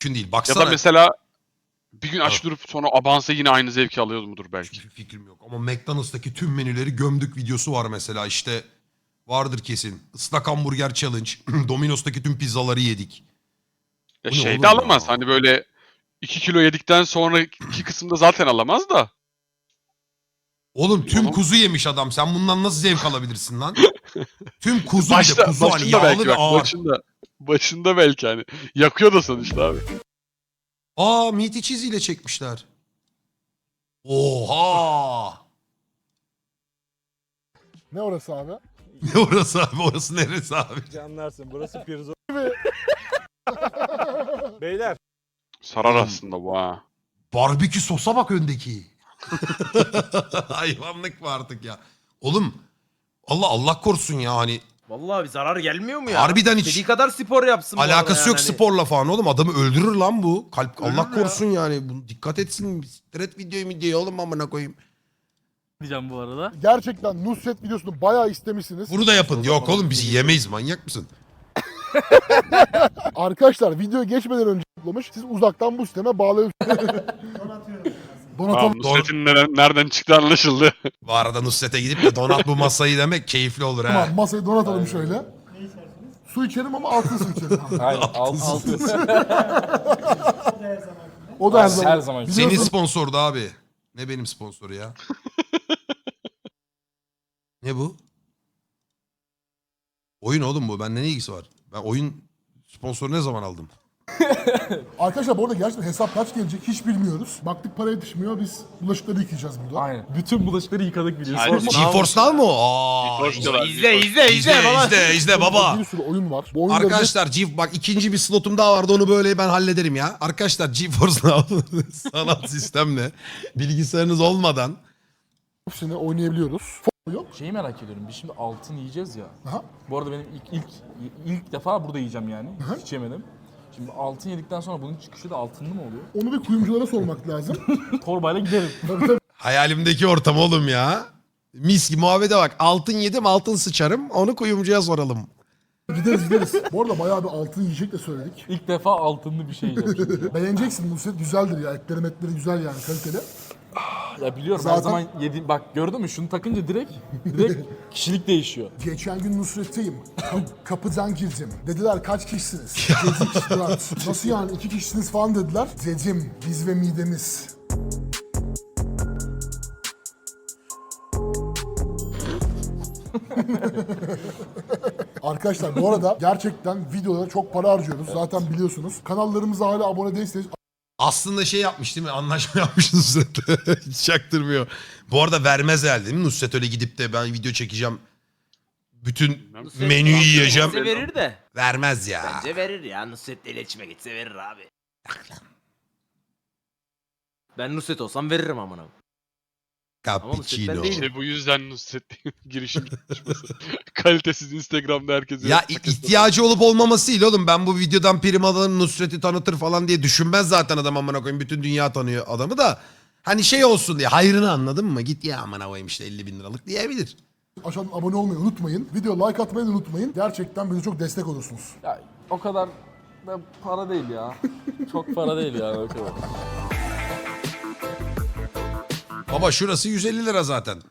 Mümkün değil. Ya Baksana. da mesela bir gün aç durup sonra abansa yine aynı zevki alıyor mudur belki. Hiçbir fikrim yok. Ama McDonald's'taki tüm menüleri gömdük videosu var mesela. İşte vardır kesin. Islak hamburger challenge. Domino's'taki tüm pizzaları yedik. Ya Bu ne şey oğlum de alamaz. ya? Hani böyle 2 kilo yedikten sonraki kısımda zaten alamaz da. Oğlum tüm Oğlum. kuzu yemiş adam. Sen bundan nasıl zevk alabilirsin lan? Tüm kuzu bir de kuzu hani başında yağlı belki ve bak. ağır. Başında belki hani. Yakıyor da sonuçta abi. Aa meaty cheese ile çekmişler. Oha! Ne orası abi? Ne orası abi? Orası neresi abi? Anlarsın burası pirzo. Beyler. Sarar aslında bu ha. Barbekü sosa bak öndeki. Hayvanlık mı artık ya? Oğlum Allah korusun ya hani Vallahi bir zarar gelmiyor mu ya? harbiden hiç İstediği kadar spor yapsın bu arada alakası yani yok hani. sporla falan oğlum. Adamı öldürür lan bu. Kalp Öldürür Allah ya. korusun yani. Bunu dikkat etsin. Stret videoyu oğlum amına koyayım. Diyeceğim bu arada. Gerçekten Nusret videosunu bayağı istemişsiniz. Bunu da yapın. Yok oğlum bizi yemeyiz manyak mısın? Arkadaşlar video geçmeden önce toplamış. Siz uzaktan bu sisteme bağlayabilirsiniz. Tamam, Donatalım. Nusret'in nereden çıktı anlaşıldı. Bu arada Nusret'e gidip de donat bu masayı demek keyifli olur ha. Tamam masayı donatalım şöyle. Su içerim ama altın su içerim. Aynen altı. O da her zaman. Her zaman. Senin Biliyorsun- sponsordu abi. Ne benim sponsoru ya? Ne bu? Oyun oğlum bu. Bende ne ilgisi var? Ben oyun sponsoru ne zaman aldım? Arkadaşlar bu arada gerçekten hesap kaç gelecek hiç bilmiyoruz. Baktık para yetişmiyor biz bulaşıkları yıkayacağız burada. Aynen. Bütün bulaşıkları yıkadık biliyorsun. Aynen. GeForce Now mu? Aa, Hoş geldin. izle baba. Bir sürü oyun var. Bu oyunları Arkadaşlar bak ikinci bir slotum daha vardı onu böyle ben hallederim ya. Arkadaşlar GeForce Now sanal sistemle bilgisayarınız olmadan hepsini oynayabiliyoruz. Yok. Şeyi merak ediyorum. Biz şimdi altın yiyeceğiz ya. Aha. Bu arada benim ilk defa burada yiyeceğim yani. Hiç yemedim. Şimdi altın yedikten sonra bunun çıkışı da altınlı mı oluyor? Onu bir kuyumculara sormak lazım. Torbayla giderim. Tabii tabii. hayalimdeki ortam oğlum ya. Mis gibi muhabbete bak. Altın yedim altın sıçarım onu kuyumcuya soralım. Gideriz. Bu arada bayağı bir altın yiyecek de söyledik. İlk defa altınlı bir şey yiyeceğim şimdi ya. Beğeneceksin Nusret güzeldir ya. Etleri güzel yani kaliteli. Ya biliyorum Zaten- her zaman yediğim... Bak gördün mü şunu takınca direkt kişilik değişiyor. Geçen gün Nusret'teyim. Kapıdan girdim. Dediler kaç kişisiniz? Dedik 4. Nasıl yani 2 kişisiniz falan dediler. Dedim biz ve midemiz. Arkadaşlar bu arada gerçekten videolara çok para harcıyoruz. Zaten biliyorsunuz. Kanallarımıza hala abone değilseniz Aslında şey yapmış değil mi? Anlaşma yapmış Nusret. Hiç çaktırmıyor. Bu arada vermez herhalde değil mi? Nusret öyle gidip de ben video çekeceğim. Bütün Nusret menüyü Nusret yiyeceğim. gitse verir de. Vermez ya. Bence verir ya. Nusret'le iletişime geçse verir abi. Ben Nusret olsam veririm amına. Ama Nusret ben Cappuccino. değilim. İşte bu yüzden Nusret girişim çalışması. Kalitesiz Instagram'da herkese. Ya ihtiyacı olup olmamasıyla oğlum ben bu videodan prim alırım Nusret'i tanıtır falan diye düşünmez zaten adam amına koyayım. Bütün dünya tanıyor adamı da. Hani şey olsun diye hayrını anladın mı? Git ya amına koyayım işte 50.000 liralık diyebilir. aşağıdan abone olmayı unutmayın. Video like atmayı da unutmayın. Gerçekten bize çok destek olursunuz. Ya o kadar da para değil ya. Çok para değil yani o kadar. Baba şurası 150 lira zaten.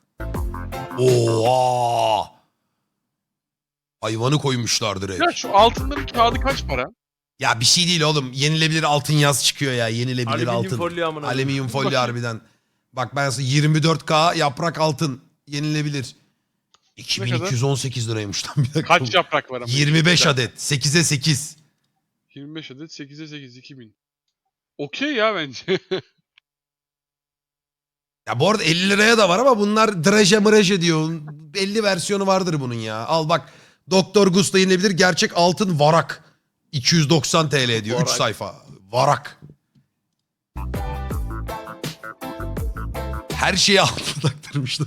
Oha! Hayvanı koymuşlar direkt. Ya şu altınların kağıdı kaç para? Ya bir şey değil oğlum. Yenilebilir altın yaz çıkıyor ya. Yenilebilir Alüminyum altın. folyo amına. Alüminyum folyo Bakayım. harbiden. Bak ben sana 24K yaprak altın yenilebilir. Ne 2218 liraymış lan bir dakika. Kaç yaprak var ama? 25 adet. 8'e 8. 25 adet 8'e 8 2000. Okey ya bence. Ya bu arada 50 liraya da var ama bunlar draje mıraje diyor. 50 versiyonu vardır bunun ya. Al bak Doktor Gusta yenilebilir gerçek altın varak. 290 TL diyor 3 Varak. sayfa. Varak. Her şeyi altına taktırmışlar.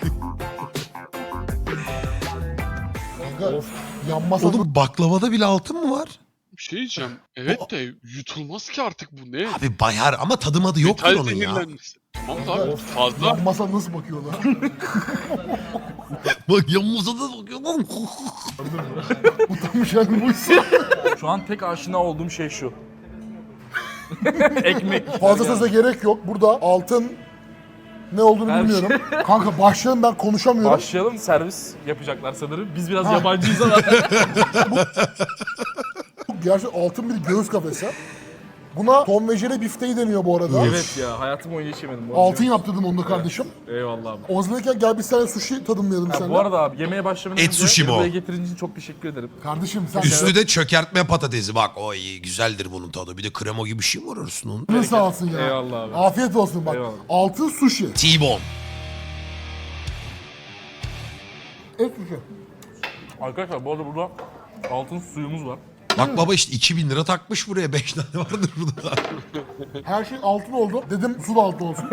Kanka yanmasa Oğlum baklavada bile altın mı var? Bir şey diyeceğim. Evet de yutulmaz ki artık bu ne? Abi bayar ama tadı madı yoktur Metal onun ya. zehirlenmesi. Tamam da abi fazla. yanmasa nasıl bakıyorlar? Bak yanımıza da bakıyor lan. Utanmış yani buysa. Şu an tek aşina olduğum şey şu. Ekmek. Fazla söze gerek yok. Burada altın ne olduğunu Her bilmiyorum. Kanka başlayalım, ben konuşamıyorum. Başlayalım, servis yapacaklar sanırım. Biz biraz yabancıyız ama. Gerçekten altın bir göğüs kafesi. Buna Tom ve Jerry bifteği deniyor bu arada. Evet ya, hayatım boyunca hiç yemedim. bu arada. Altın yaptırdım onu da kardeşim. Eyvallah abi. O zaman gel bir tane sushi tadımlayalım Ha, seninle. bu arada abi yemeğe başlamadan Et sushi mi o? buraya getirdiğin için çok teşekkür ederim. Kardeşim sen Üstü de çökertme patatesi. Bak o iyi güzeldir bunun tadı. Bir de krema gibi bir şey mi var arasında onun? canın sağ olsun ya. Eyvallah abi. Afiyet olsun bak. Eyvallah. Altın sushi. T-bone. Et sushi. Arkadaşlar bu arada burada altın suyumuz var. Bak baba işte 2000 lira takmış buraya. 5 tane vardır burada. Her şey altın oldu. Dedim su da altın olsun.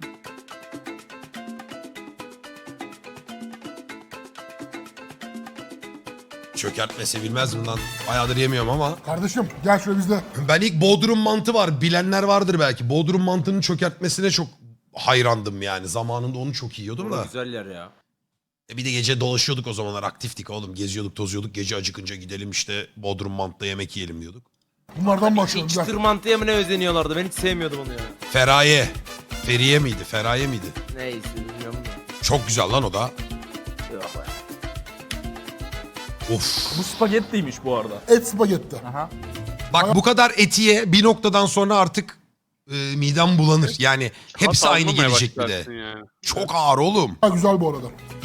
Çökertme sevilmez mi lan? Bayağıdır yemiyorum ama. Kardeşim gel şöyle bizde. Ben ilk Bodrum mantı var. Bilenler vardır belki. Bodrum mantının çökertmesine çok hayrandım yani. Zamanında onu çok yiyordum da. Güzel yer ya. Bir de gece dolaşıyorduk o zamanlar. Aktiftik oğlum. Geziyorduk, tozuyorduk. Gece acıkınca gidelim işte Bodrum mantıda yemek yiyelim diyorduk. Bunlardan başlayalım. Gel. Çıtır mantıya mı ne özeniyorlardı? Ben hiç sevmiyordum onu ya. Feraye. Feriye miydi? Feraye miydi? Neyse bilmiyorum da. Çok güzel lan o da. Yok be. Of. Bu spagettiymiş bu arada. Et spagetti. Aha. Bak bu kadar etiye bir noktadan sonra artık midem bulanır. Yani hepsi Tat aynı almamaya gelecek bir de. başlarsın yani. Çok ağır oğlum. Ha, güzel bu arada.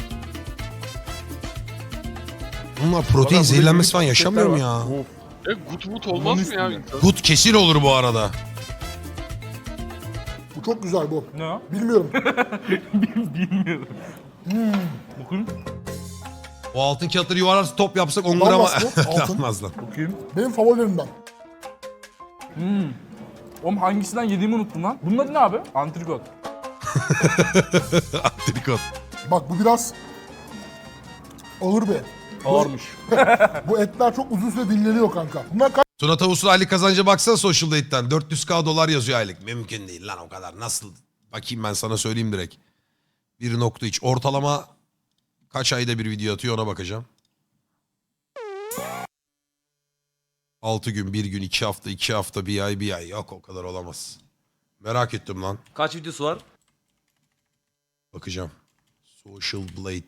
Bunlar protein Valla zehirlenmesi burada falan büyük yaşamıyor mu paketler ya? var. Of. Gut mut olmaz mı ya? üstünde. Gut kesin olur bu arada. Bu çok güzel bu. Ne o? Bilmiyorum. Bilmiyorum. Bakın. O altın kağıtları yuvarlarsa top yapsak 10 Olmaz gram mı? Altın. almaz lan. Bakayım. Benim favorilerimden. Oğlum hangisinden yediğimi unuttum lan. Bunun adı ne abi? Antrikot. Antrikot. Bak bu biraz ağır bir et. Ağırmış. Bu etler çok uzun süre dinleniyor kanka. Bunlar kaç Tuna Tavus'un aylık kazancı baksana Social Date'den. 400k dolar yazıyor aylık. Mümkün değil lan o kadar. Nasıl? Bakayım ben sana söyleyeyim direkt. 1.3. Ortalama kaç ayda bir video atıyor ona bakacağım. 6 gün, 1 gün, 2 hafta, 2 hafta, 1 ay, 1 ay. Yok o kadar olamaz. Merak ettim lan. Kaç videosu var? Bakacağım. Social Blade.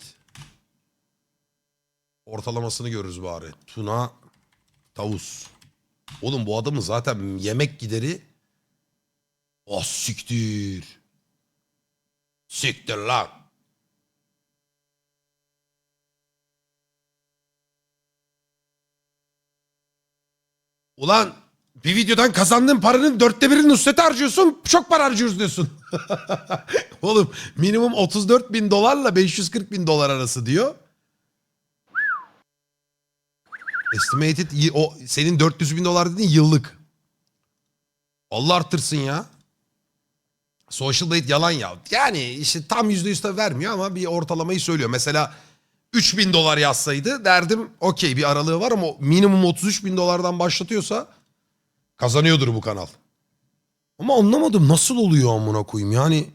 Ortalamasını görürüz bari. Tuna Tavus. Oğlum bu adamın zaten yemek gideri... Oh siktir. Siktir lan. Ulan bir videodan kazandığın paranın 1/4'ini Nusret'e harcıyorsun. Çok para harcıyoruz diyorsun. Oğlum minimum 34.000 dolarla 540.000 dolar arası diyor. Estimated o senin 400.000 dolar dediğin yıllık. Allah arttırsın ya. Social Blade yalan ya. Yani işte tam %100 de vermiyor ama bir ortalamayı söylüyor. Mesela 3.000 dolar yazsaydı derdim okey bir aralığı var ama minimum 33.000 dolardan başlatıyorsa kazanıyordur bu kanal. Ama anlamadım nasıl oluyor amına koyayım yani.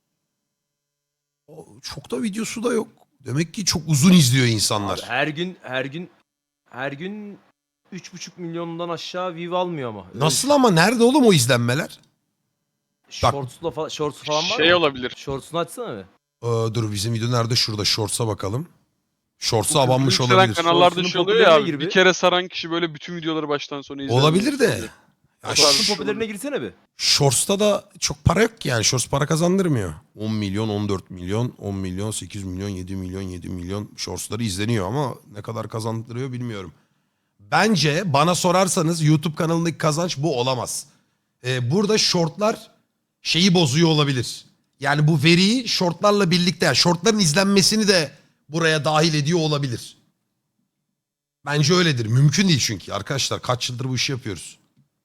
Çok da videosu da yok. Demek ki çok uzun izliyor insanlar. Abi her gün 3,5 milyondan aşağı view almıyor ama. Öyle Nasıl ama nerede oğlum o izlenmeler? Shorts'u falan var Şey mı? olabilir. Shorts'unu açsana bir. Dur bizim video nerede? Şurada Shorts'a bakalım. Shorts'a abanmış Yükselen olabilir. kanallarda Shorts'un şey oluyor ya popülerine abi. gir bir. Bir kere saran kişi böyle bütün videoları baştan sona izler. Olabilir de. Ya Shorts'un popülerine girsene bir. Shorts'ta da çok para yok ki yani. Shorts para kazandırmıyor. 10 milyon, 14 milyon, 10 milyon, 8 milyon, 7 milyon, 7 milyon Shorts'ları izleniyor ama ne kadar kazandırıyor bilmiyorum. Bence bana sorarsanız YouTube kanalındaki kazanç bu olamaz. Burada shortlar şeyi bozuyor olabilir. Yani bu veriyi shortlarla birlikte, yani shortların izlenmesini de buraya dahil ediyor olabilir. Bence öyledir. Mümkün değil çünkü. Arkadaşlar kaç yıldır bu işi yapıyoruz.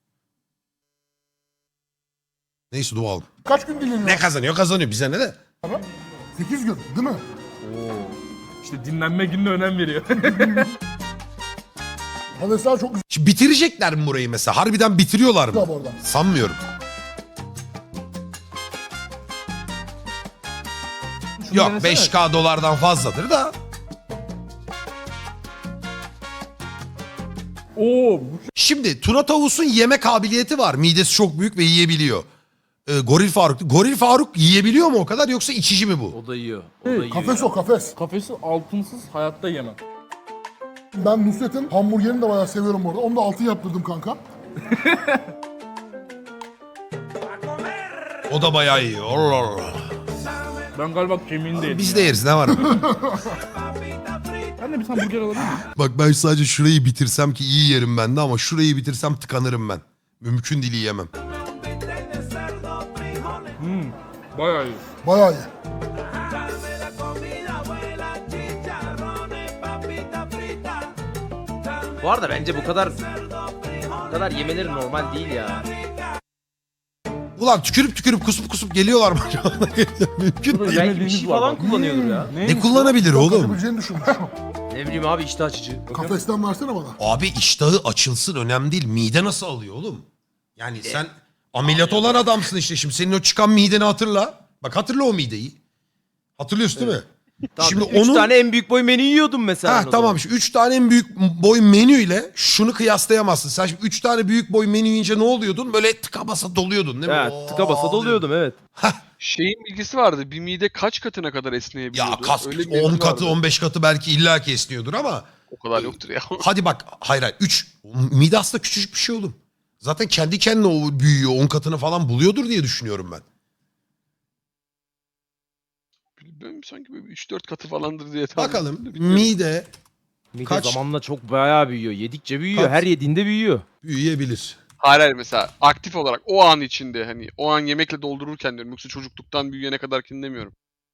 Neyse dualım. kaç gün dinleniyor? Ne kazanıyor kazanıyor bize ne de. 8 gün değil mi? İşte dinlenme gününe önem veriyor. Patatesler çok güzel Şimdi bitirecekler mi burayı mesela? Harbiden bitiriyorlar mı? bu arada. Sanmıyorum. Şunu Yok denesene. 5K dolardan fazladır da. Oo bu şimdi Tuna Tavus'un yeme kabiliyeti var. Midesi çok büyük ve yiyebiliyor. Goril Faruk yiyebiliyor mu o kadar yoksa içici mi bu? O da yiyor. O da yiyor. Kafes o kafes. Kafesi altınsız hayatta yemem. Ben Nusret'in hamburgerini de bayağı seviyorum bu arada. Onu da altın yaptırdım kanka. O da bayağı iyi. Allah Allah. Ben galiba kemiğini de yedim. Biz de yeriz ne var? Ben de bir tane burger alabilir miyim? Bak ben sadece şurayı bitirsem ki iyi yerim ben de ama şurayı bitirsem tıkanırım ben. Mümkün değil yiyemem. Bayağı iyi. Bayağı iyi. Bu arada bence bu kadar yemeleri normal değil ya. Ulan tükürüp kusup geliyorlar mı acaba? Mümkün değil. Belki bir Yemediğimiz şey var falan bak. kullanıyordur ya. Ne kullanabilir oğlum? Kaçabileceğini düşünmüş. Ne bileyim abi iştah açıcı. Kafesten versene bana. Abi iştahı açılsın önemli değil. Mide nasıl alıyor oğlum? Yani sen ameliyat olan adamsın işte. Şimdi senin o çıkan mideni hatırla. Bak hatırla o mideyi. Hatırlıyorsun değil mi? Tamam, Şimdi 3 tane en büyük boy menü yiyordum mesela. Ha ben o tamam zaman. işte 3 tane en büyük boy menüyle şunu kıyaslayamazsın. Sen şimdi 3 tane büyük boy menü yiyince ne oluyordun? Böyle tıka basa doluyordun değil mi? Evet, tıka basa doluyordum evet. Şeyin bilgisi vardı. Bir mide kaç katına kadar esneyebiliyordu? Ya kas Öyle bir 10 bilgi katı vardı. 15 katı belki illaki esniyordur ama O kadar yoktur ya. hadi bak hayır 3 mide aslında küçücük bir şey oğlum. Zaten kendi kendine o büyüyor 10 katını falan buluyordur diye düşünüyorum ben. Benim sanki böyle 3-4 katı falandır diye tahmin Bakalım ettim de bilmiyorum. mide Mide Kaç? zamanla çok bayağı büyüyor. Yedikçe büyüyor. Kaç? Her yediğinde büyüyor. büyüyebilir. Hayır mesela aktif olarak o an içinde hani o an yemekle doldururken diyorum. Yoksa çocukluktan büyüyene kadarkini demiyorum.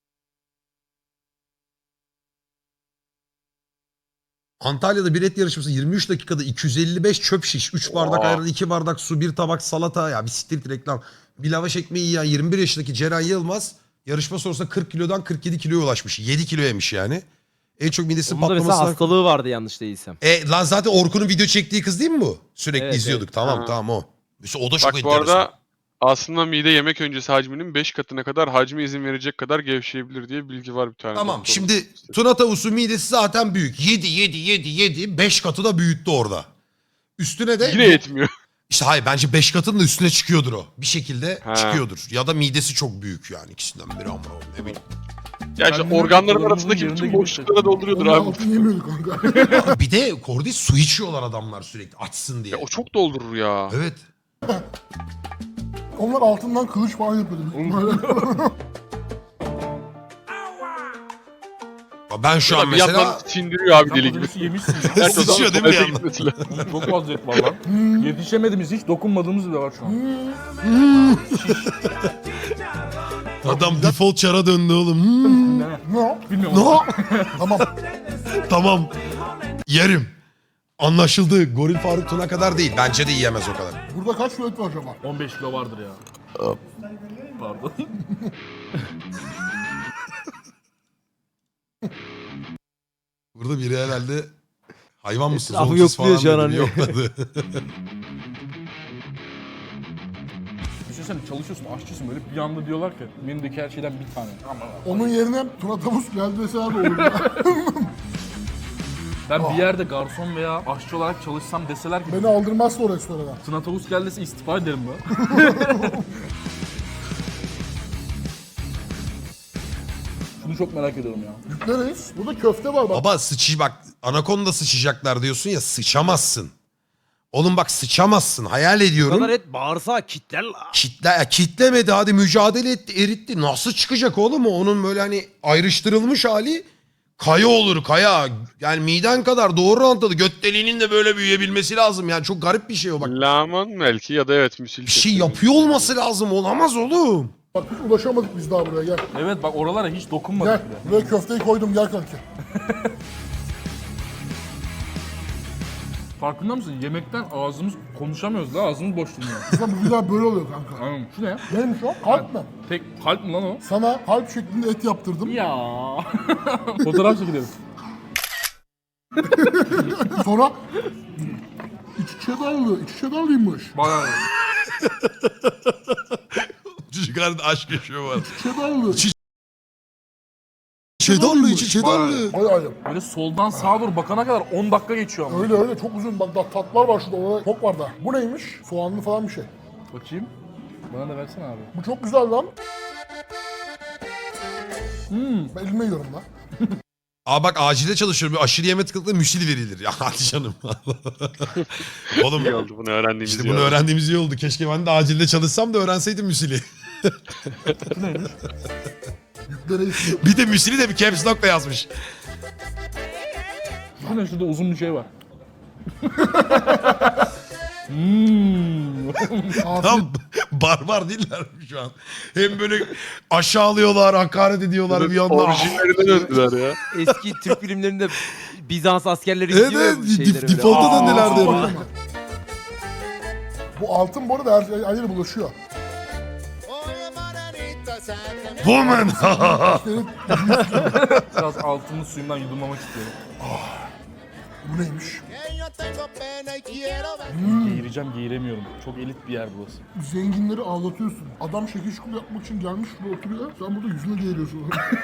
Antalya'da bir et yarışması 23 dakikada 255 çöp şiş, 3 bardak Oha. ayran, 2 bardak su, 1 tabak salata. Ya bir siktir reklam. Bir lavaş ekmeği yiyen 21 yaşındaki Ceren Yılmaz yarışma sonrasında 40 kilodan 47 kiloya ulaşmış. 7 kilo yemiş yani. En çok midesi Onun da mesela patlamasına... hastalığı vardı yanlış değilsem. Lan zaten Orkun'un video çektiği kız değil mi bu? Sürekli Evet, izliyorduk. evet. Tamam Ha. tamam o. Mesela o da çok Bak bu enteresan. arada aslında mide yemek öncesi hacminin 5 katına kadar hacmi izin verecek kadar gevşeyebilir diye bilgi var bir tane. Tamam doktorun. şimdi Tuna Tavusu midesi zaten büyük. 7 5 katı da büyüttü orada. Üstüne de... Yine yetmiyor. İşte hayır bence 5 katının da üstüne çıkıyordur o. Bir şekilde Ha. çıkıyordur. Ya da midesi çok büyük yani ikisinden biri ama ne bileyim. Ya işte Kendini organların kullanımının arasındaki yerinde bütün gibi boşluklara dolduruyordur Onun abi. altın yemiyordu kanka. Bir de Kordi su içiyorlar adamlar sürekli açsın diye. Ya o çok doldurur ya. Evet. Onlar altından kılıç falan yapıyordu. büyük ihtimalle. Ben şu an Bir yandan mesela sindiriyor abi Sen deli gibi. patatesi yemişsin ya. Gerçekten Sıçıyor değil mi bir tuvalete yandan? gitmesi lazım. Çok fazla et var lan. Yetişemediğimiz hiç dokunmadığımız bile var şu an. adam default çara döndü oğlum. Hmm, Ne? Ne o? Bilmiyorum. no. Tamam. Tamam. Yerim. Anlaşıldı. Goril Faruk Tuna kadar değil. Bence de yiyemez o kadar. Burada kaç kilo et var acaba? 15 kilo vardır ya. Pardon. Burada biri herhalde hayvan mısınız Etrafı oğlum siz yokluyor şu an falan dedi. hani. Yokladı. Düşünsene çalışıyorsun, aşçısın böyle bir anda diyorlar ki menüdeki her şeyden bir tane. Aman. Onun yerine Tuna Tavus geldi deseler de olur ya. Ben bir yerde garson veya aşçı olarak çalışsam deseler ki Beni aldırmazsa o restorana. Tuna Tavus geldi dese istifa ederim ben. Şunu çok merak ediyorum ya. Yükleriz. Burada köfte var bak. Baba bak anakonda sıçacaklar diyorsun ya sıçamazsın. Oğlum bak sıçamazsın hayal Bu ediyorum. kadar et bağırsağı kitler la. Kitlemedi hadi mücadele etti eritti. Nasıl çıkacak oğlum o? Onun böyle hani ayrıştırılmış hali kaya olur kaya. Yani miden kadar doğru orantılı göt deliğinin de böyle büyüyebilmesi lazım. Yani çok garip bir şey o bak. Laman belki ya da evet müsil. Bir şey yapıyor olması lazım olamaz oğlum. Bak hiç ulaşamadık biz daha buraya gel. Evet bak oralara hiç Gel. dokunmadık bile. Buraya köfteyi koydum gel kanki. Farkında mısın? Yemekten ağzımız konuşamıyoruz da ağzımız boş durmuyor. Aslında bu videolar böyle oluyor kanka. Anladın mı? Şu ne? Neymiş o? Kalp mi? Tek kalp mi lan o? Sana kalp şeklinde et yaptırdım. Ya. Fotoğraf çekelim. Sonra iç içe dallı. İç içe dallıymış. Bayağı. Çocuk arada aşk yaşıyor var. İç içe dallı. Çedarlı içi çedarlı. Bayağı iyi. Böyle soldan sağa doğru bakana kadar 10 dakika geçiyor ama. Öyle çok uzun. Bak daha tatlar var şurada. Orada çok var da. Bu neymiş? Soğanlı falan bir şey. Bakayım. Bana da versene abi. Bu çok güzel lan. Ben elime yiyorum lan. Aa bak acilde çalışıyorum. Bir aşırı yeme tıklıkla müsli verilir. Ya hadi canım. Oğlum İyi oldu bunu öğrendiğimiz işte iyi bunu oldu. öğrendiğimiz iyi oldu. Keşke ben de acilde çalışsam da öğrenseydim müsli. Yüklere istiyor. Bir de müsli de bir caps lock'la yazmış. Bu ne, şurada uzun bir şey var. Tam barbar değiller mi şu an? Hem böyle aşağılıyorlar, hakaret ediyorlar bir yandan. Orijinlerine döndüler ya. Eski Türk filmlerinde Bizans askerleri Evet, gidiyor ya evet, bu şeylere böyle. default'a Aa, döndüler diyor. Bak ama. Bu altın bu arada her yere bulaşıyor. Woman. Senin- Biraz altının suyundan yudumlamak istiyorum. Bu neymiş? Geğireceğim, geğiremiyorum. Çok elit bir yer burası. Zenginleri ağlatıyorsun. Adam şekil şukul yapmak için gelmiş şurada oturuyor. Sen burada yüzüne geğiriyorsun.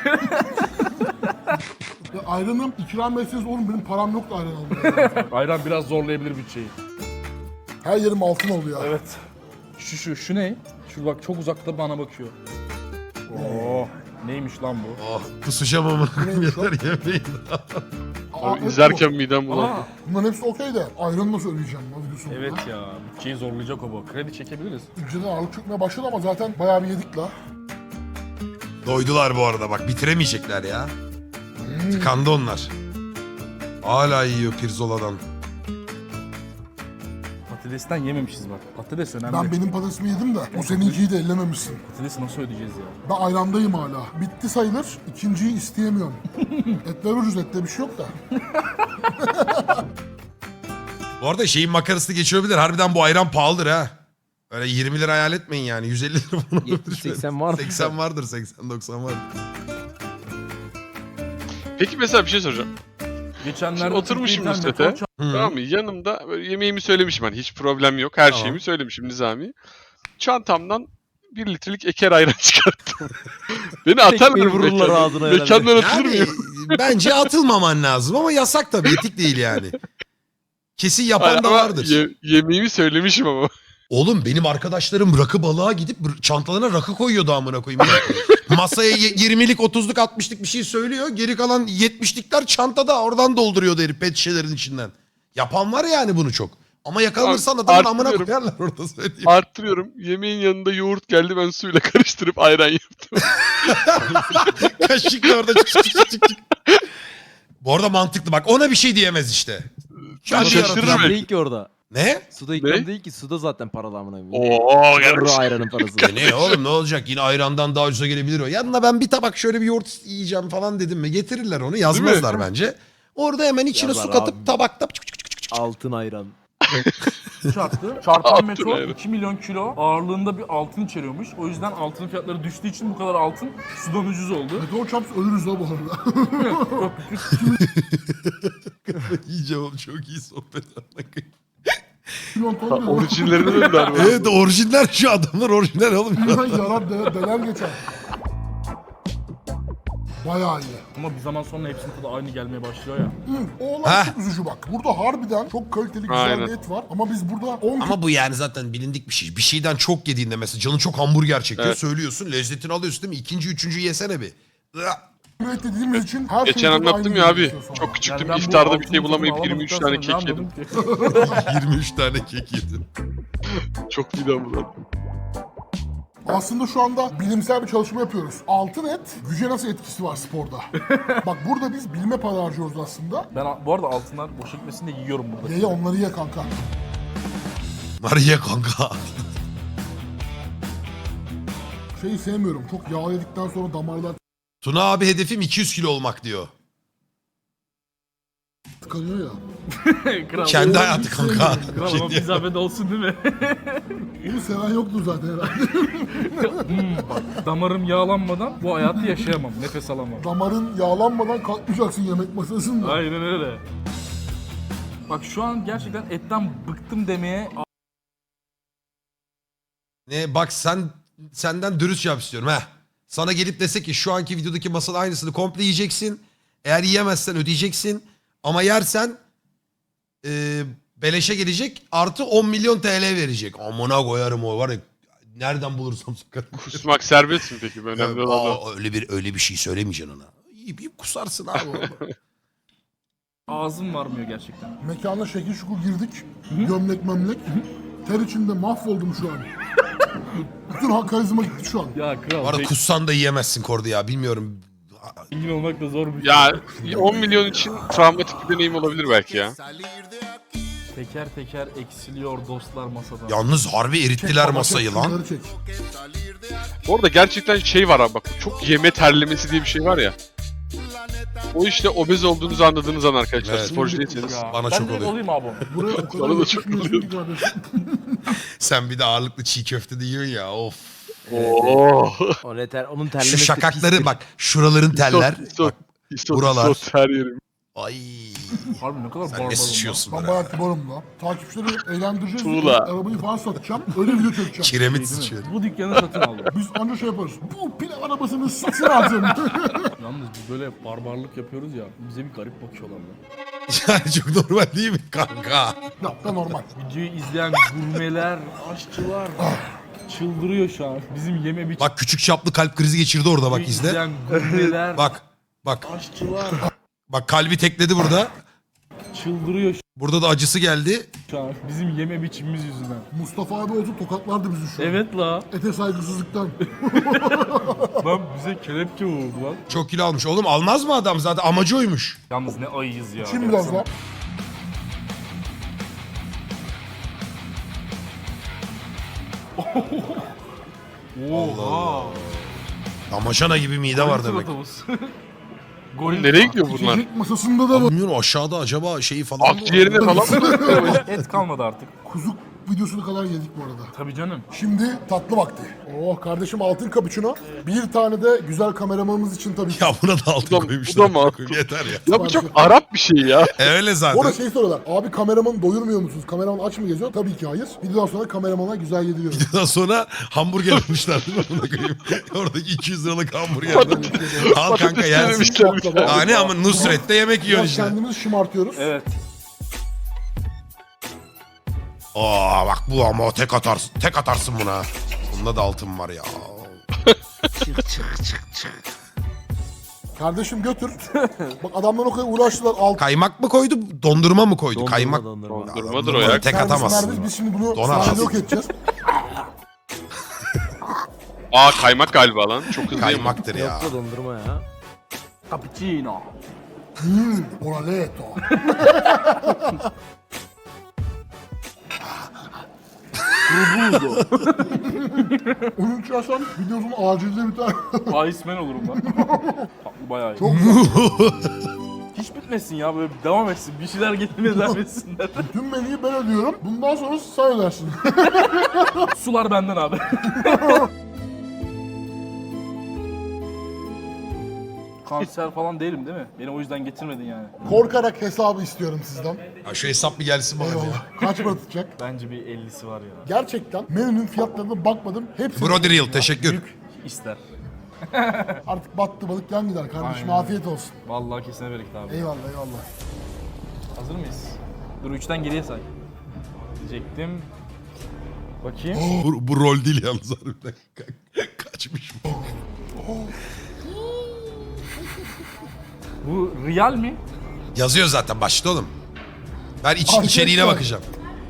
Ya ayranım ikram etseniz oğlum benim param yok da ayran almaya. Ayran biraz zorlayabilir bütçeyi. Her yerim altın oluyor. Evet. Şu ne? Şu bak çok uzakta bana bakıyor. Oo, neymiş lan bu? Oh, kusacağım ama yeter yemeyin. Aa, evet İzlerken midem bulandı. bu. Bunların hepsi okey de ayranı nasıl ödeyeceğim lan videosu sonunda? Evet ya, bütçeyi zorlayacak o bu. Kredi çekebiliriz. Ülkeden ağırlık çökmeye başladı ama zaten bayağı bir yedik la. Doydular bu arada bak bitiremeyecekler ya. Tıkandı onlar. Hala yiyor pirzoladan. Patatesten yememişiz bak. Patates önemli. Ben benim patatesimi yedim de o seninkiyi de ellememişsin. Patatesi nasıl ödeyeceğiz ya? Ben ayrandayım hala. Bitti sayılır. İkinciyi isteyemiyorum. Etler ucuz, ette bir şey yok da. Bu arada şeyin makarası geçiyor bilir. Harbiden bu ayran pahalıdır ha. Öyle 20 lira hayal etmeyin yani. 150 lira falan. 70-80 var mı? 80 vardır 80-90 vardır. Peki mesela bir şey soracağım. Geçenlerde Şimdi oturmuşum Türkiye Nusret'e. İnternet Tamam mı? Yanımda böyle yemeğimi söylemişim hani hiç problem yok. Her Tamam. şeyimi söylemişim Nizami. Çantamdan 1 litrelik eker ayran çıkarttım. Beni atarlar Tekmeyi mı vururlar mekandan? ağzına herhalde. Mekandan atılır Yani mıyım? bence atılmaman lazım ama yasak tabii. Etik değil yani. Kesin yapan da Ama vardır. yemeğimi söylemişim ama. Oğlum benim arkadaşlarım rakı balığa gidip çantalarına rakı koyuyordu amına koyayım. Masaya 20'lik 30'luk 60'lık bir şey söylüyor. Geri kalan 70'likler çantada oradan dolduruyordu herif pet şişelerin içinden. Yapan var yani bunu çok. Ama yakalanırsan adamın amına Arttırıyorum. koyarlar orada söyleyeyim. Arttırıyorum. Yemeğin yanında yoğurt geldi ben suyla karıştırıp ayran yaptım. Kaşıkla orada çık çık çık çık çık. Bu arada mantıklı bak ona bir şey diyemez işte. Kendi şaşırırım. yaratıcı- İkram değil ki orada. Ne? Suda ikram Ne? değil ki. Suda zaten paralı amına koyayım. Oo Yarı ayranın parası. Ne oğlum ne olacak yine ayrandan daha ucuza gelebilir o. Yanına ben bir tabak şöyle bir yoğurt yiyeceğim falan dedim mi getirirler onu yazmazlar bence. Orada hemen içine Yazar su katıp abi. tabakta Altın ayran. çarptı. Çarpan Altın metro ayran. 2 milyon kilo ağırlığında bir altın içeriyormuş. O yüzden altının fiyatları düştüğü için bu kadar altın sudan ucuz oldu. Meteor çarps ölürüz la bu arada. yiyeceğim oğlum çok iyi sohbet. Milyon ton diyor. Orijinlerine döndüler. Evet orijinal şu adamlar orijinal oğlum. Milyon yarar deler geçer. Bayağı iyi. Ama bir zaman sonra hepsinin tadı aynı gelmeye başlıyor ya. O olay çok üzücü bak. Burada harbiden çok kaliteli güzel Aynen. bir et var. Ama biz burada 10 Ama bu yani zaten bilindik bir şey. Bir şeyden çok yediğinde mesela canın çok hamburger çekiyor Evet. söylüyorsun lezzetini alıyorsun değil mi? İkinci üçüncüyü yesene bir. kilo et dediğimiz için her Geçen şeyin tadı anlattım aynı ya abi. geliyor sonra. Çok küçüktüm. ben bu İftarda bir altının şey bulamayıp tadını 23 alamadıktan tane sonra kek ne yedim. anladım ki? 23 tane kek yedim. Çok midem bulandı. Aslında şu anda bilimsel bir çalışma yapıyoruz. Altın et güce nasıl etkisi var sporda? Bak burada biz bilime para harcıyoruz aslında. Ben bu arada altınlar boşa gitmesin de yiyorum burada. Ye onları ye kanka. Mariye kanka. Şeyi sevmiyorum. Çok yağ yedikten sonra damarlar Tuna abi hedefim 200 kilo olmak diyor. tıkanıyor ya. Kral, Kendi hayatı kanka. kral ama bir zahmet olsun değil mi? Onu seven yoktur zaten herhalde. Bak, damarım yağlanmadan bu hayatı yaşayamam. Nefes alamam. Damarın yağlanmadan kalkmayacaksın yemek masasında. Aynen öyle. Bak şu an gerçekten etten bıktım demeye Ne bak senden dürüst cevap istiyorum ha. sana gelip dese ki şu anki videodaki masanın aynısını komple yiyeceksin. Eğer yiyemezsen ödeyeceksin. Ama yersen beleşe gelecek artı 10 milyon TL verecek. Amına koyarım o var ya. Nereden bulursam sokarım. Kusmak serbest mi peki? Önemli olan o. Öyle bir şey söylemeyeceksin ona. Yiyip kusarsın abi. orada. Ağzım varmıyor gerçekten. Mekana şekil şukul girdik. Gömlek memlek. Ter içinde mahvoldum şu an. Bütün karizma gitti şu an. Ya Bu kral, arada kussan da yiyemezsin Kordi ya. Bilmiyorum. zengin olmak da zor bir şey. Ya 10 milyon için travmatik bir deneyim olabilir belki ya. Teker teker eksiliyor dostlar masadan. Yalnız harbi erittiler Baba, masayı çek, lan. şunları çek. Orada gerçekten şey var abi bak. Çok yeme terlemesi diye bir şey var ya. O işte obez olduğunuzu anladığınız an arkadaşlar. Evet. Sporcu değilseniz. Ya, Bana ben çok direkt oluyor. olayım abi onu. Buraya o kadar Bana da çok yakışmıyorsun ki kardeşim. Sen bir de ağırlıklı çiğ köfte de yiyorsun ya. Of. Oo. Onun Şu terlemesi şakakları pistir. bak. Şuraların teller. Bak, buralar. Isot her yerim. ay. Harbi ne kadar Sen ne barbarım sıçıyorsun Ben be. bayağı kibarım la. Takipçileri eğlendireceğiz. Tuğla. Arabayı falan satacağım. Öyle video çekeceğim. Kiremit lan. sıçıyor. Bu dükkanı satın aldım. Biz anca şey yaparız. Bu pilav arabasını satın aldım. Yalnız biz böyle barbarlık yapıyoruz ya. Bize bir garip bakıyorlar lan. Yani çok normal değil mi kanka? Ya da normal. Videoyu izleyen gurmeler, aşçılar çıldırıyor şu an. Bizim yeme biçim. Bak küçük çaplı kalp krizi geçirdi orada bak izle. izleyen gurmeler, Bak. aşçılar Bak kalbi tekledi burada. çıldırıyor Burada da acısı geldi. şu an. Bizim yeme biçimimiz yüzünden. Mustafa abi olsa tokatlardı bizi şu an. Evet la. Ete saygısızlıktan. Lan bize kelepçe vurdu lan. Çok kilo almış. Oğlum almaz mı adam zaten amacı oymuş. Yalnız ne ayıyız ya. Şimdi biraz daha. Oha. Damaşana gibi mide var demek. Goril. Nereye gidiyor bunlar? İçecek masasında da var. Bilmiyorum aşağıda acaba şeyi falan mı var? Akciğerine falan mı? Et kalmadı artık. Kuzu videosunu kadar yedik bu arada. Tabii canım. Şimdi tatlı vakti. Oh kardeşim altın cappuccino. Bir tane de güzel kameramanımız için tabii ki. Ya buna da altın Bu da- koymuşlar. bu da mı altın? Yeter ya. Ya bu çok Arap bir şey ya. Öyle Orada zaten. şey soruyorlar. Abi kameramanı doyurmuyor musunuz? Kameraman aç mı geziyor? Tabii ki hayır. Videodan sonra kameramana güzel yediriyoruz. Daha sonra hamburger almışlar değil mi? Ona koyayım. Oradaki 200 liralık hamburger. Al kanka yersin. denemişler bir tane. Hani ama Nusret'te yemek yiyorsun Biraz işte. kendimizi şımartıyoruz. Evet. Aa bak bu ama o tek atarsın. Tek atarsın buna. Bunda da altın var ya. Kardeşim götür. Bak adamlar o kadar uğraştılar. Altın Kaymak mı koydu? Dondurma mı koydu? Kaymak. Dondurma. Durmadır o ya. Tek atamazsın. Biz şimdi bunu Donar. sahnede yok edeceğiz. Aa kaymak galiba lan. Çok hızlı yemek. Kaymaktır ya. Yok da dondurma ya. Cappuccino. Oraleto. Onun içersen videosunun acilde biter. Iceman olurum ben. Tatlı bayağı iyi. Çok güzel. Hiç bitmesin ya böyle devam etsin. Bir şeyler getirmeye devam etsinler. Tüm menüyü ben ödüyorum. Bundan sonra sen ödersin. Sular benden abi. Kanser falan değilim değil mi? Beni o yüzden getirmedin yani. Korkarak hesabı istiyorum sizden. Ya şu hesap bir gelsin bana ya. Eyvallah. Kaç para tutacak? Bence bir 50'si var ya. Gerçekten menünün fiyatlarına bakmadım. Hepsi Brody Real teşekkür. Büyük ister. artık battı balık yan gider kardeşim. Aynen. Afiyet olsun. Vallahi kesene bereket abi. Eyvallah eyvallah. Hazır mıyız? Dur 3'ten geriye say. Diyecektim. Bakayım. Bu rol değil yalnız harbiden. Kaçmış bu. Bu real mi? Yazıyor zaten başta oğlum. Ben Arkadaşlar. içeriğine bakacağım.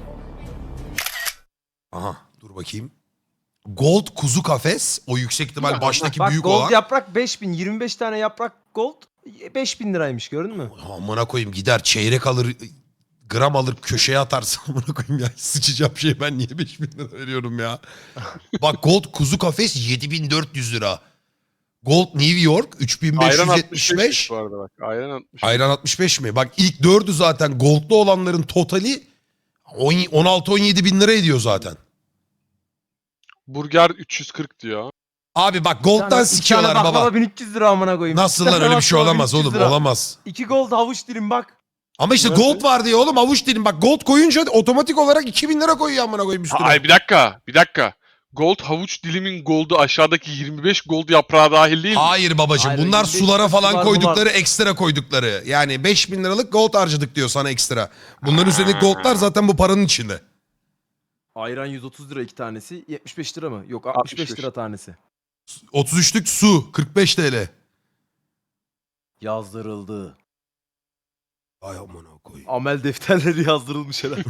Aha dur bakayım. Gold kuzu kafes. O yüksek ihtimal baştaki Bak büyük gold olan. yaprak 5000. 25 tane yaprak gold 5000 liraymış gördün mü? Amına koyayım gider çeyrek alır gram alır köşeye atarsın amına koyayım ya. Sıçacağım şey ben niye 5000 lira veriyorum ya. Bak gold kuzu kafes 7400 lira. Gold New York Ayran 3575. 65 bu arada bak. Ayran 65. Ayran 65 mi? Bak ilk 4'ü zaten goldlu olanların totali 16-17 bin lira ediyor zaten. Burger 340 diyor. Abi bak gold'dan sikiyorlar baklava baba. 1300 lira amına koyayım. Nasıl lan öyle bir şey olamaz oğlum olamaz. 2 gold havuç dilim bak. Ama işte gold var diye oğlum avuç dilim. Bak gold koyunca otomatik olarak 2000 lira koyuyor amına koyayım üstüne. Ay bir dakika. Bir dakika. Gold havuç dilimin gold'u aşağıdaki 25 gold yaprağı dahil değil mi? Hayır babacığım Hayır, bunlar 25 sulara falan sular koydukları bunlar. ekstra koydukları. Yani 5.000 liralık gold harcadık diyor sana ekstra. Bunların üzerindeki goldlar zaten bu paranın içinde. Ayran 130 lira 2 tanesi. 75 lira mı? Yok 65 lira tanesi. 33'lük su 45 TL. Yazdırıldı. Ay amına koyayım. Amel defterleri yazdırılmış herhalde.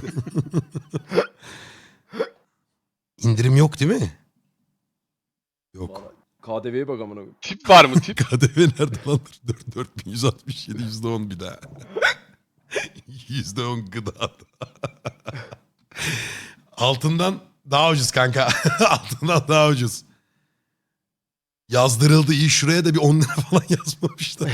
İndirim yok değil mi? Yok. KDV'ye bak amına koyayım. Tip var mı tip? KDV nerede lan? 4167 %10 bir daha. %10 gıda. Altından daha ucuz kanka. Altından daha ucuz. Yazdırıldı iyi şuraya da bir 10 lira falan yazmamışlar.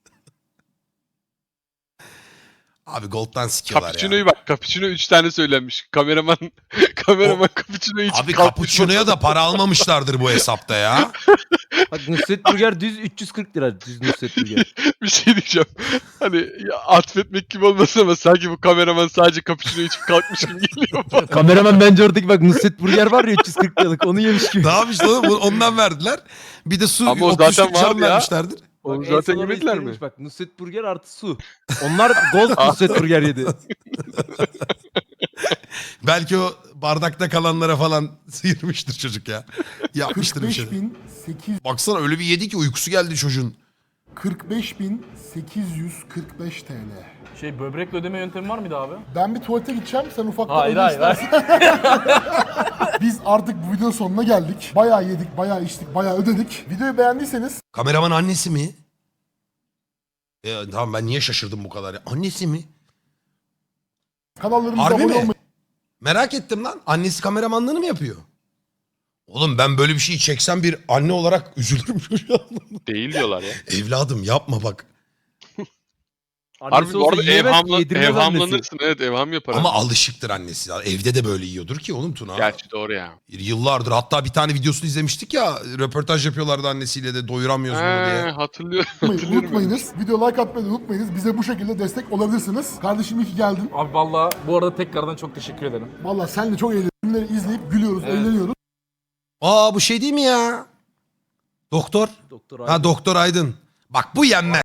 Abi Gold'dan sikiyorlar Cappuccino'yu ya. bak. Cappuccino 3 tane söylenmiş. Kameraman Cappuccino'yu içip Abi kalkmış. Cappuccino'ya da para almamışlardır bu hesapta ya. Bak Nusret Burger düz 340 lira düz Nusret Burger. Bir şey diyeceğim. Hani ya, atfetmek gibi olmasın ama sanki bu kameraman sadece cappuccino içip kalkmış gibi geliyor bana. Kameraman bence oradaki bak Nusret Burger var ya 340 liralık onu yemiş gibi. Ne yapmışlar oğlum? Ondan verdiler. Bir de su Ama o 33'lük zaten cam vardı ya. vermişlerdir. Onu Bak, en zaten son orada yemediler mi? istenilmiş Bak Nusret Burger artı su. Onlar Gold Nusret Burger yedi. Belki o bardakta kalanlara falan sıyırmıştır çocuk ya. Yapmıştır bir şey. 45.845 Baksana öyle bir yedi ki uykusu geldi çocuğun. 45.845 TL. Şey böbrekle ödeme yöntemi var mıydı abi? Ben bir tuvalete gideceğim, sen ufaktan Hayır öde hayır istersen. hayır. Biz artık bu videonun sonuna geldik. Bayağı yedik, bayağı içtik, bayağı ödedik. Videoyu beğendiyseniz Kameraman annesi mi? Tamam ben niye şaşırdım bu kadar ya? Annesi mi? kanallarımıza Harbi abone mi? olmayı Merak ettim lan. Annesi kameramanlığını mı yapıyor? Oğlum ben böyle bir şeyi çeksem bir anne olarak üzülürüm çocuğa. Değil diyorlar ya. Evladım yapma bak. Harbi Annesi bu olsa arada yiyemez ki, yedirmez annesi. evhamlanırsın. Evet evham yapar. Ama alışıktır annesi. Evde de böyle yiyordur ki oğlum Tuna. Gerçi doğru ya. Yıllardır hatta bir tane videosunu izlemiştik ya. Röportaj yapıyorlardı annesiyle de doyuramıyoruz bunu diye. Hatırlıyorum. Hatırlıyorum. unutmayınız. Video like atmayı da unutmayınız. Bize bu şekilde destek olabilirsiniz. Kardeşim iyi ki geldin. Abi valla bu arada tekrardan çok teşekkür ederim. Vallahi senle çok eğleniyoruz. Filmleri izleyip gülüyoruz, eğleniyoruz. Aa bu şey değil mi ya? Doktor. Doktor Ha Doktor Aydın. Bak bu yenmez.